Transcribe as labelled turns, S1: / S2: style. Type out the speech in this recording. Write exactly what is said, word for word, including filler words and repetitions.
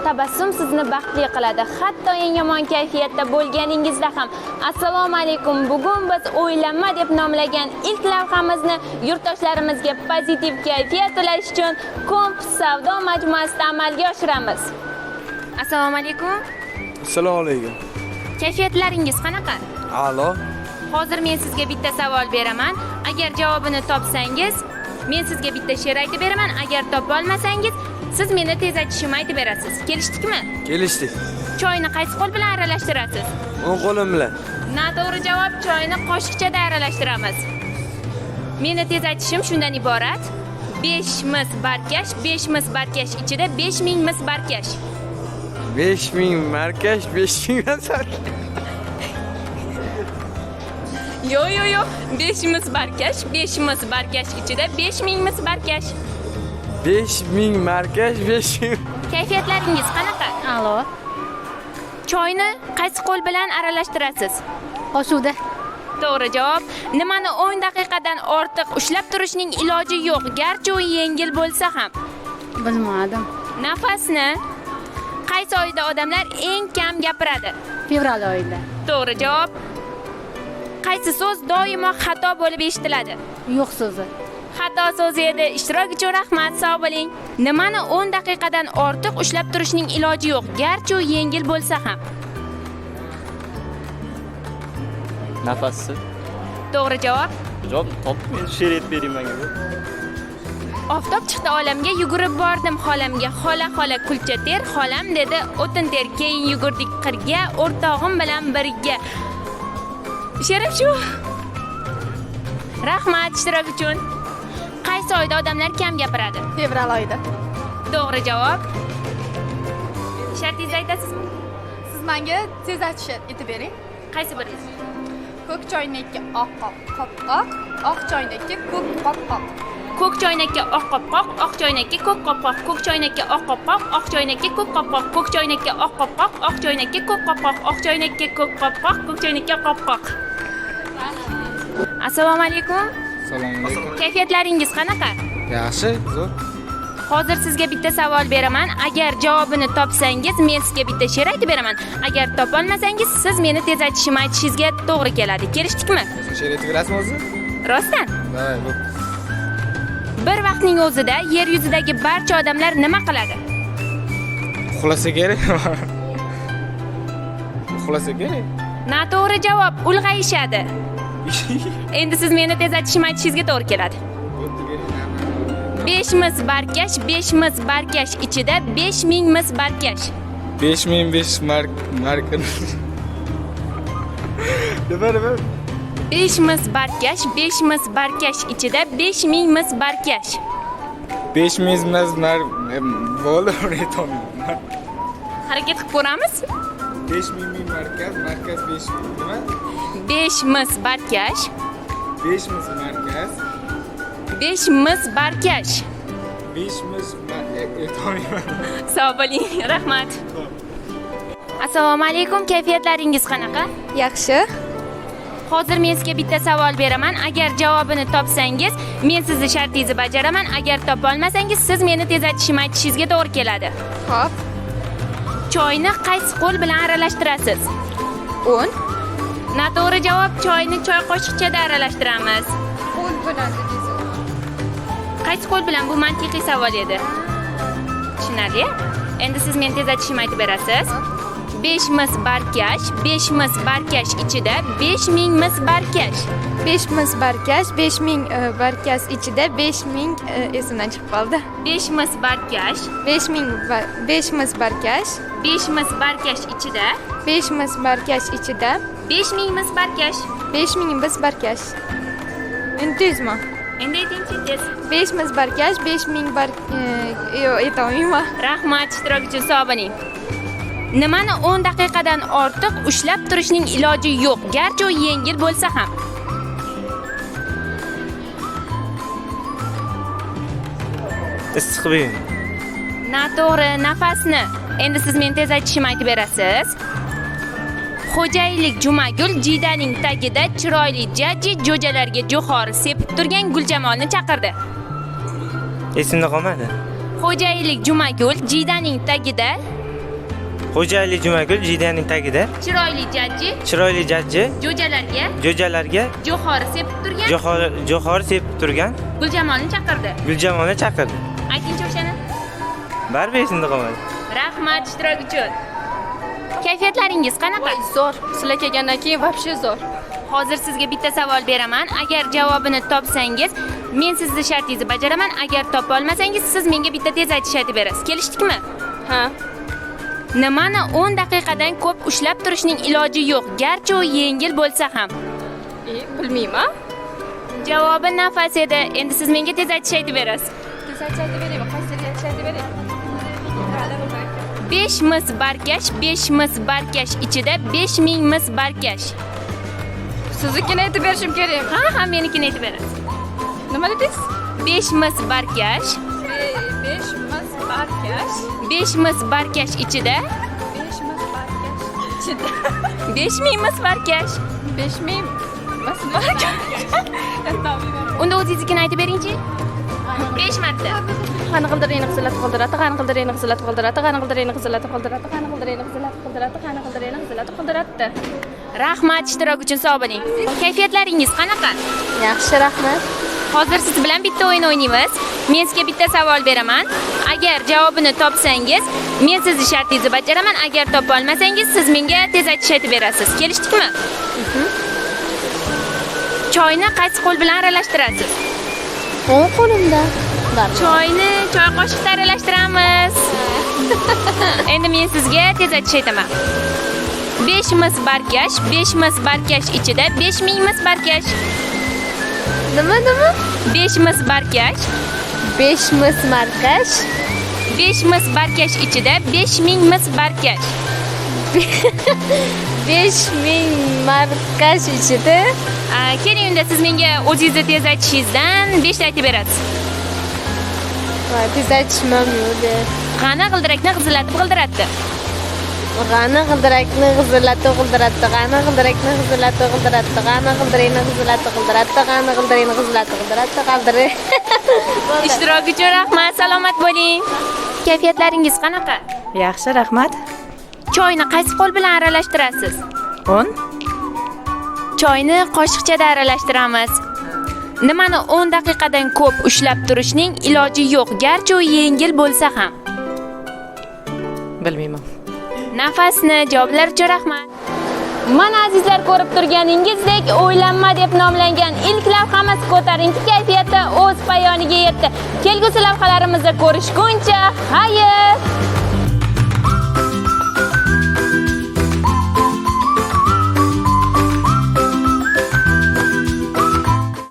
S1: tabassum sizni baxtli qiladi, hatto eng yomon kayfiyatda bo'lganingizda ham. Assalomu alaykum. Bugun biz o'ylanma deb nomlagan ilk lavhamizni yurtdoshlarimizga pozitiv kayfiyat ulash uchun Komps savdo majmuasida amalga oshiramiz. Assalomu alaykum.
S2: Assalomu alaykum.
S1: Kayfiyatlaringiz qanaqa?
S2: A'lo.
S1: Hozir men sizga bitta savol beraman. Agar javobini topsangiz, men sizga bitta she'r aytib beraman. Agar topa olmasangiz, siz meni tezlatishimni aytib berasiz. Kelishdikmi?
S2: Kelishdik.
S1: Choyni qaysi qo'l bilan aralashtirasiz?
S2: O'ng qo'lim bilan.
S1: Noto'g'ri javob, choyni qoshiqchada aralashtiramiz. Meni tezlatishim shundan iborat. besh mis barkash, besh mis barkash ichida besh ming mis barkash.
S2: besh ming markash, besh ming nasar.
S1: Yo yo yo, besh mis barkash, besh mis barkash ichida besh ming mis barkash.
S2: besh ming markash, besh ming.
S1: Kayfiyatlaringiz qanaqa?
S3: Alo.
S1: Choyni qaysi qo'l bilan aralashtirasiz?
S3: Qosuvda.
S1: To'g'ri javob. Nimani o'n daqiqadan ortiq ushlab turishning iloji yo'q, garchi u yengil bo'lsa ham.
S3: Bilmadim.
S1: Nafasni qaysi oyda odamlar eng kam gapiradi?
S3: Fevral oyida.
S1: To'g'ri javob. Qaysi so'z doimo xato bo'lib eshitiladi?
S3: Yo'q so'zi.
S1: Xato so'zi edi. Ishtirok uchun rahmat, sog' bo'ling. Nimani o'n daqiqadan ortiq ushlab turishning iloji yo'q, garchi u yengil bo'lsa ham?
S4: Nafasi.
S1: To'g'ri javob.
S4: Javob topib she'r aytib bering menga.
S1: Oftob chiqdi olamga, yugurib bordim xolamga. Xola xola kulcha ter, xolam dedi o'tin ter. Keyin yugurdik qirga, o'rtog'im bilan birga. Sherim shu. Rahmat ishtirok uchun. Qaysi oyda odamlar kam gapiradi?
S3: Fevral oyida.
S1: To'g'ri javob. Shartingizni aytasizmi?
S5: Siz menga tezlatish aytib bering.
S1: Qaysi biringiz?
S5: Ko'k choynakka oq qopqoq, oq choynakka ko'k qopqoq.
S1: Ko'k choynakka oq qopqoq, oq choynakka ko'k qopqoq. Ko'k choynakka oq qopqoq, oq choynakka ko'k qopqoq. Ko'k choynakka oq qopqoq, oq choynakka ko'k qopqoq. Oq choynakka ko'k qopqoq, ko'k choynakka qopqoq. Assalomu alaykum.
S2: Assalomu alaykum.
S1: Kayfiyatlaringiz qanaqa?
S2: Yaxshi, zo'r.
S1: Hozir sizga bitta savol beraman. Agar javobini topsangiz, men sizga bitta she'r aytib beraman. Agar topa olmasangiz, siz meni tezlatishimni aytishingizga to'g'ri keladi. Kelishdikmi?
S2: She'r aytib berasizmi o'zi?
S1: Rostdan?
S2: Davay, bo'p.
S1: Bir vaqtning o'zida yer yuzidagi barcha odamlar nima qiladi?
S2: Uxlasa kerak. Uxlasa kerak.
S1: Noto'g'ri javob, ulg'ayishadi. Endi siz meni tezlatishimni aytishingizga to'g'ri keladi. besh mis barkash, besh mis barkash ichida besh ming mis barkash.
S2: besh ming besh mark marka. Nima nima?
S1: besh mis barkash, besh mis barkash ichida besh ming mis barkash.
S2: besh ming mis mark bo'ldi, aytolmayman.
S1: Harakat qilib ko'ramiz.
S2: besh ming ming markaz, markaz besh nima?
S1: besh mis barkash,
S2: besh mis markaz,
S1: besh mis barkash.
S2: besh mis aytolmayman.
S1: Sog' bo'ling, rahmat. Assalomu alaykum, kayfiyatlaringiz qanaqa?
S5: Yaxshi.
S1: Hozir men sizga bitta savol beraman. Agar javobini topsangiz, men sizni shartingizni bajaraman. Agar topa olmasangiz, siz meni tezlatishimni aytishingizga to'g'ri keladi.
S5: Xo'p.
S1: Choyni qaysi qo'l bilan aralashtirasiz?
S5: o'n.
S1: Noto'g'ri javob, choyni choy qoshiqchada aralashtiramiz.
S5: qo'l bilan dedingiz.
S1: Qaysi qo'l bilan? Bu mantiqiy savol edi. Tushunarli? Endi siz meni tezlatishimni aytib berasiz. besh mis barkash, besh mis barkash ichida besh ming mis barkash.
S5: besh mis barkash, besh ming barkash ichida besh ming esimdan chiqib qoldi.
S1: besh mis barkash,
S5: besh ming besh mis barkash,
S1: besh mis barkash ichida
S5: besh mis barkash ichida
S1: besh ming mis barkash.
S5: besh ming mis barkash. Intizmi?
S1: Endi aytingchi tez.
S5: besh mis barkash, besh ming bar yo'q, aytolmayman.
S1: Rahmat ishtirok uchun, sog' bo'ling. Nimani o'n daqiqadan ortiq ushlab turishning iloji yo'q, garchi u yengil bo'lsa ham?
S4: Issiq buyum.
S1: Noto'g'ri, nafasni. Endi siz meni tezlatishimni aytib berasiz. Xo'jaylik Jumagul Jidaning tagida chiroyli jajji jo'jalarga jo'xori sepib turgan Guljamolni chaqirdi.
S4: Esimda qolmadi.
S1: Xo'jaylik Jumagul Jidaning tagida
S4: Xo'jayli Jumagul jidaning tagida.
S1: Chiroyli jajji
S4: Chiroyli jajji
S1: jo'jalarga
S4: jo'jalarga
S1: jo'xori sepib turgan
S4: jo'xori jo'xori sepib turgan
S1: Guljamolni chaqirdi.
S4: Guljamolni chaqirdi.
S1: Aytingchi o'shani.
S4: Baribir esimda qolmadi.
S1: Rahmat ishtirok uchun. Kayfiyatlaringiz qanaqa?
S5: Zo'r. Sizlar kelgandan keyin вообще zo'r.
S1: Hozir sizga bitta savol beraman. Agar javobini topsangiz, men sizni shartingizni bajaraman. Agar topa olmasangiz, siz menga bitta tez aytish aytib berasiz. Kelishdikmi?
S5: Ha.
S1: Nimani o'n daqiqadan ko'p ushlab turishning iloji yo'q, garchi u yengil bo'lsa ham.
S5: E, bilmayman.
S1: Javobi nafas edi. Endi siz menga tez aytish aytib berasiz.
S5: Tez aytib beraymi? Qaysi aytish aytib beray?
S1: besh mis barkash, besh mis barkash ichida besh ming mis barkash.
S5: Siznikini aytib berishim kerak.
S1: Ha, ha, menikini aytib berasiz.
S5: Nima dedingiz?
S1: besh mis barkash,
S5: besh mis barkash.
S1: besh mis barkash ichida
S5: besh mis barkash ichida.
S1: besh ming mis barkash.
S5: besh ming mis barkash.
S1: Unda o'zingiznikini aytib beringchi. besh marta.
S5: Qani qildirini qizilat qildiradi, qani qildirini qizilat qildiradi, qani qildirini qizilat qildiradi, qani qildirini qizilat qildiradi, qani qildirini qizilat qildiradi.
S1: Rahmat ishtirok uchun sog' bo'ling. Kayfiyatlaringiz qanaqa?
S3: Yaxshi, rahmat.
S1: Hozir siz bilan bitta o'yin o'ynaymiz. Men sizga bitta savol beraman. Agar javobini topsangiz, men sizni shartingizni bajaraman. Agar topa olmasangiz, siz menga tez aytish aytib berasiz. Kelishdikmi? Choyni qaysi qo'l bilan aralashtirasiz?
S3: O'ng qo'limda. Bari.
S1: Choyni choy qoshiqda aralashtiramiz. Endi men sizga tez aytish aytaman. besh mis barkash, besh mis barkash ichida besh ming mis barkash.
S3: Nima nima?
S1: besh mis barkash,
S3: besh mis markash.
S1: besh mis barkash ichida besh ming mis barkash.
S3: besh ming markash ichida
S1: Aa, keling unda siz menga o'zingizni tez aytishingizdan besh ta aytib berasiz.
S3: voy tez aytishmam yo'q.
S1: Qani g'ildirakni g'izillatib g'ildiratdi.
S3: G'ani g'ildirakni g'izillatib g'ildiratdi, g'ani g'ildirakni g'izillatib g'ildiratdi, g'ani g'ildirakni g'izillatib g'ildiratdi, g'ani g'ildirakni g'izillatib g'ildiratdi, g'ildiri.
S1: Ishtirok uchun rahmat, salomat bo'ling. Kayfiyatlaringiz qanaqa?
S6: Yaxshi, rahmat.
S1: Choyni qaysi qo'l bilan aralashtirasiz?
S6: o'n
S1: Choyni qoshiqchada aralashtiramiz. Nimani o'n daqiqadan ko'p ushlab turishning iloji yo'q, garchi u yengil bo'lsa ham.
S6: bilmayman.
S1: Nafasni javoblar uchun rahmat. Mana azizlar, ko'rib turganingizdek, o'ylanma deb nomlangan ilk lavhamiz ko'tarinki kayfiyatda o'z poyoniga yetdi. Kelgusi lavhalarimizda ko'rishguncha, xayr!